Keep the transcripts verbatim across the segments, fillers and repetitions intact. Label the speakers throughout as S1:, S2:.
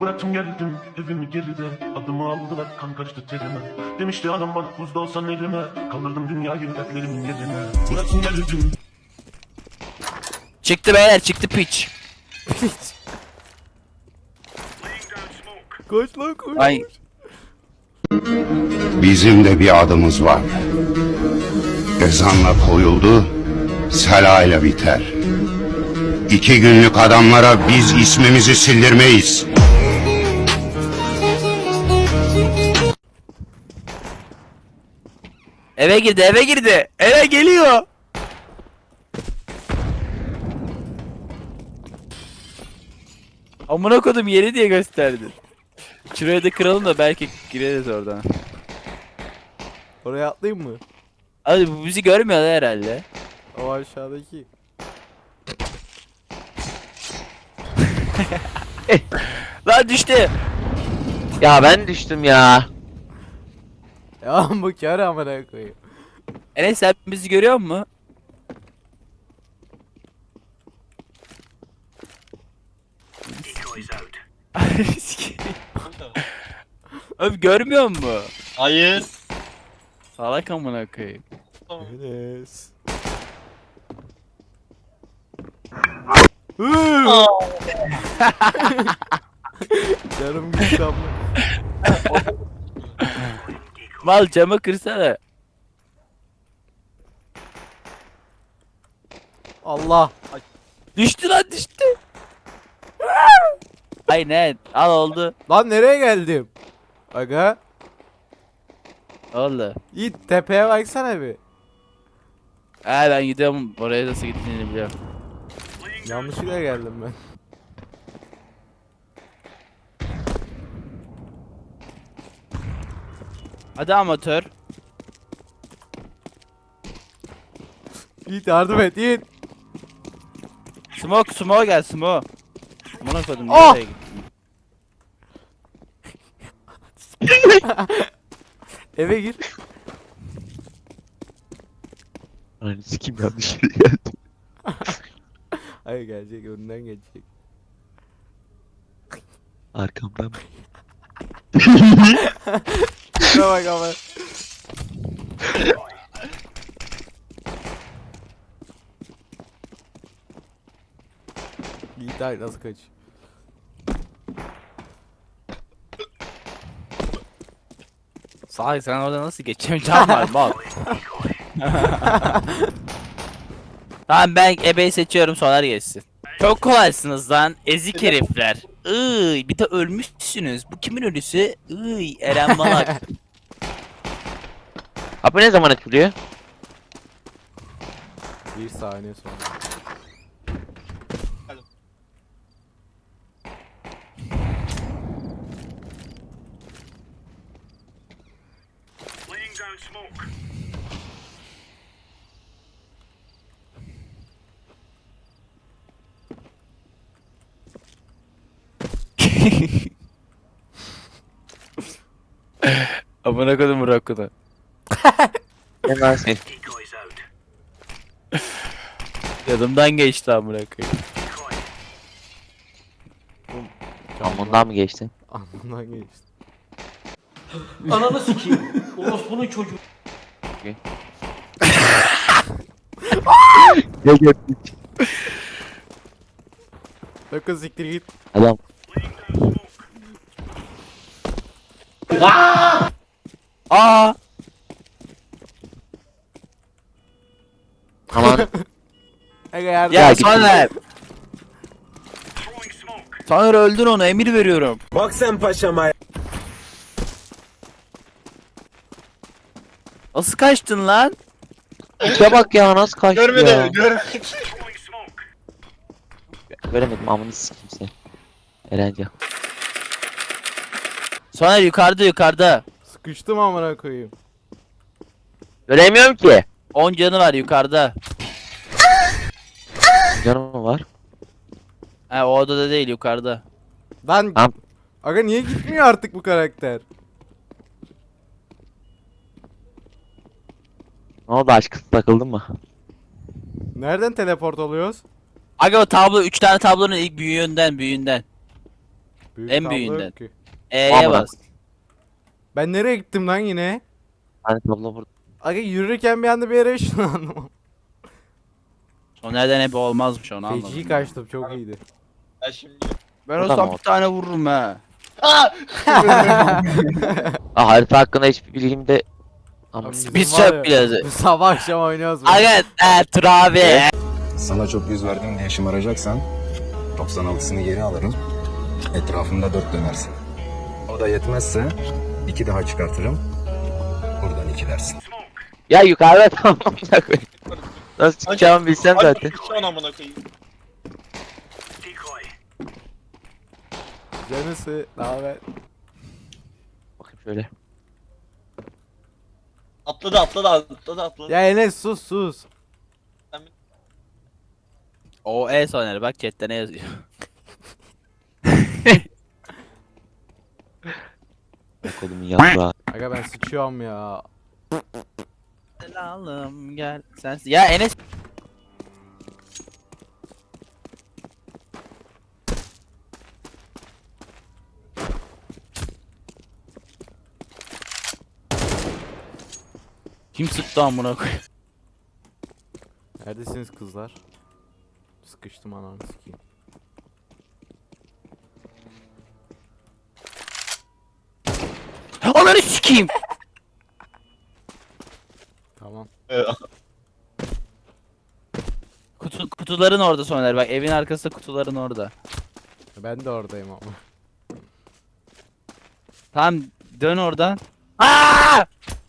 S1: Bıraktım geldim evimi geride. Adımı aldılar kan kaçtı terime. Demişti adam bana buzda olsan elime. Kaldırdım dünyayı dertlerimin yerine. Bıraktım geldim.
S2: Çıktı beyler, çıktı piç.
S3: Koş lan koş.
S2: Ay.
S4: Bizim de bir adımız var. Ezanla koyuldu, selayla biter. İki günlük adamlara biz ismimizi sildirmeyiz.
S2: Eve girdi, eve girdi. Eve geliyor. Amına kodum yeri diye gösterdi. Şuraya da kıralım da belki gireriz oradan.
S3: Oraya atlayayım mı?
S2: Abi bu bizi görmüyorlar herhalde.
S3: O aşağıdaki.
S2: Lan düştü.
S5: Ya ben düştüm ya.
S3: Ya bu kar amına koyayım.
S2: Enes sen bizi görüyor musun? Abi görmüyor musun?
S6: Hayır.
S2: Salak amına koyayım.
S3: Enes. Canım gitti ama.
S2: Mal camı kırsana.
S3: Allah.
S2: Düştü lan düştü. Aynen al oldu.
S3: Lan nereye geldim? Aga.
S2: Oldu.
S3: Yiğit tepeye baksana bir.
S2: Ha ben gidiyorum oraya nasıl gittiğini biliyorum.
S3: Yanlışlıkla geldim ben.
S2: Hadi amatör.
S3: Yiğit yardım et Yiğit.
S2: Smoke smoke gel smoke. Amına koydum
S3: Oh!
S2: nereye gittin?
S3: Eve gir.
S5: Hani sikim yanlış yere geldim.
S3: Hayır gelecek önünden gelecek.
S5: Arkamdan.
S3: Şuna bak ama. Yiğit ay nasıl kaç?
S2: Salak sen orada nasıl geçeceksin can var mal. Tamam ben ebeyi seçiyorum soner geçsin. Çok kolaysınız lan ezik herifler. Iy bir de ölmüşsünüz. Bu kimin ölüsü? Iy Eren Malak.
S5: Abi ne zaman açılıyor?
S3: Bir saniye sonra.
S2: Amına koydum Rakunu.
S5: Hemen sen.
S2: Yanımdan geçti amına koyayım.
S5: Amundan mı geçtin?
S3: Anından geçti.
S6: Ananı sikeyim. Orospu'nun çocuğu.
S5: Ne gördün?
S3: Bakın siktir git.
S5: Adam.
S2: Aa!
S5: Aman.
S3: Aga yardım.
S2: Ya
S5: Ya git.
S2: Soner. Soner öldür onu emir veriyorum.
S7: Bak sen paşama.
S2: Nasıl kaçtın lan?
S5: İşe bak ya nasıl kaçtı ya.
S6: Görmedi, görmedi.
S5: Göremedim amını sikim seni. Erenca.
S2: Soner yukarıda yukarıda.
S3: Sıkıştım amına koyayım.
S5: Göremiyorum ki.
S2: on canı var yukarıda.
S5: Canım mı var?
S2: He o odada değil yukarıda.
S3: Lan.
S5: Tamam.
S3: Aga niye gitmiyor artık bu karakter?
S5: Ne oldu aşkım takıldın mı?
S3: Nereden teleport oluyoruz?
S2: Aga o tablo üç tane tablonun ilk büyüğünden büyüğünden.
S3: Büyük
S2: En
S3: tablo
S2: büyüğünden.
S3: yok ki.
S2: E'ye
S5: Amına.
S2: bas.
S3: Ben nereye gittim lan yine?
S5: Hani tablo burada.
S3: Aga yürürken bir anda bir yere ışınlandım.
S2: O nereden hep olmazmış onu anladım.
S3: Feci kaçtım çok iyiydi.
S6: Ben şimdi.
S2: Ben
S5: O da
S2: olsam
S5: mı
S2: bir
S5: oldu?
S2: tane vururum ha.
S6: Aa!
S5: Aa, harita hakkında hiçbir bilgim de... Ama
S3: Abi bizim
S2: Biz
S3: var
S2: çok
S3: ya,
S2: biliyoruz.
S3: biz Sabah akşam oynuyoruz. bunu.
S2: Aga e, Tur abi.
S7: Sana çok yüz verdim diye şımaracaksan doksan altısını geri alırım. Etrafında dört dönersin. O da yetmezse iki daha çıkartırım. Buradan iki dersin.
S5: Ya yukarıda tamam amına koyayım. Nasıl çıkacağımı bilsem zaten.
S6: Şu an amına koyayım.
S3: Canısı ne haber?
S5: Bakayım şöyle.
S6: Atladı atladı atladı atladı.
S3: Ya Enes sus sus.
S2: O E soner bak chatte ne yazıyor.
S5: Kolumun yaprağı.
S3: Aga ben sıçıyorum ya.
S2: Selalım gel sen. Ya Enes. Kim sıktı amına koyayım?
S3: Neredesiniz kızlar? Sıkıştım ananı sikeyim.
S2: Onları sikeyim.
S3: Tamam.
S2: Kutu, kutuların orada soner bak evin arkasında kutuların orada.
S3: Ben de oradayım ama.
S2: Tamam dön oradan. Aa!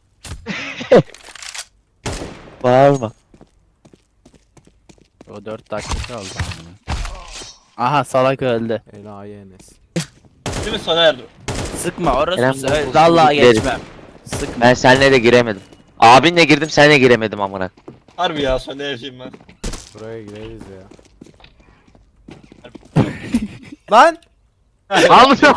S5: Bağırma.
S2: O dört dakika kaldı amına. Aha salak öldü.
S3: Enayi Enes.
S6: Değil mi Soner?
S2: Sıkma orası
S5: Eren,
S2: söyle.
S5: bu-
S2: Vallahi
S5: bu- bu-
S2: geçmem. Sıkma.
S5: Ben seninle de giremedim. Abinle girdim seninle giremedim amına.
S6: Harbi ya Soner'ciyim ben.
S3: Buraya gireriz ya. Lan!
S5: Almıyorum.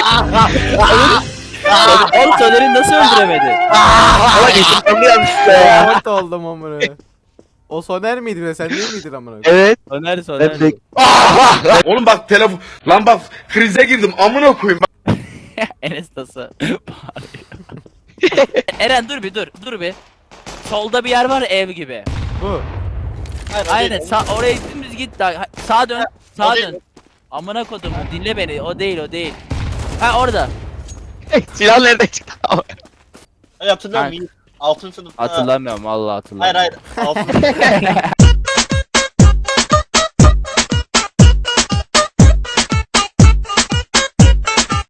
S2: Oğlum Soner'i nasıl öldüremedi?
S5: Ama geçtim yanlışlıkla ya.
S3: Dört oldum amına. O Soner miydi be sen değil miydin amına?
S5: Evet.
S2: Soner Soner.
S5: Ben de...
S8: Oğlum bak telefon lan bak krize girdim amına koyayım.
S2: Enes nasıl bağırıyor. Eren dur bir dur dur bir. Solda bir yer var ev gibi.
S3: Bu.
S6: Hayır, o
S2: Aynen
S6: değil.
S2: sağ oraya dümdüz git daha. Ha, sağa dön. Sağa
S6: o değil.
S2: dön. Amına kodum dinle beni. O değil o değil. Ha orada.
S5: Silah nereden çıktı?
S6: Hayır hatırlıyor
S2: Ha.
S6: musun? Altın sınıfta.
S2: Hatırlamıyorum vallahi
S6: Hayır
S2: hatırlamıyorum.
S6: hayır. Altın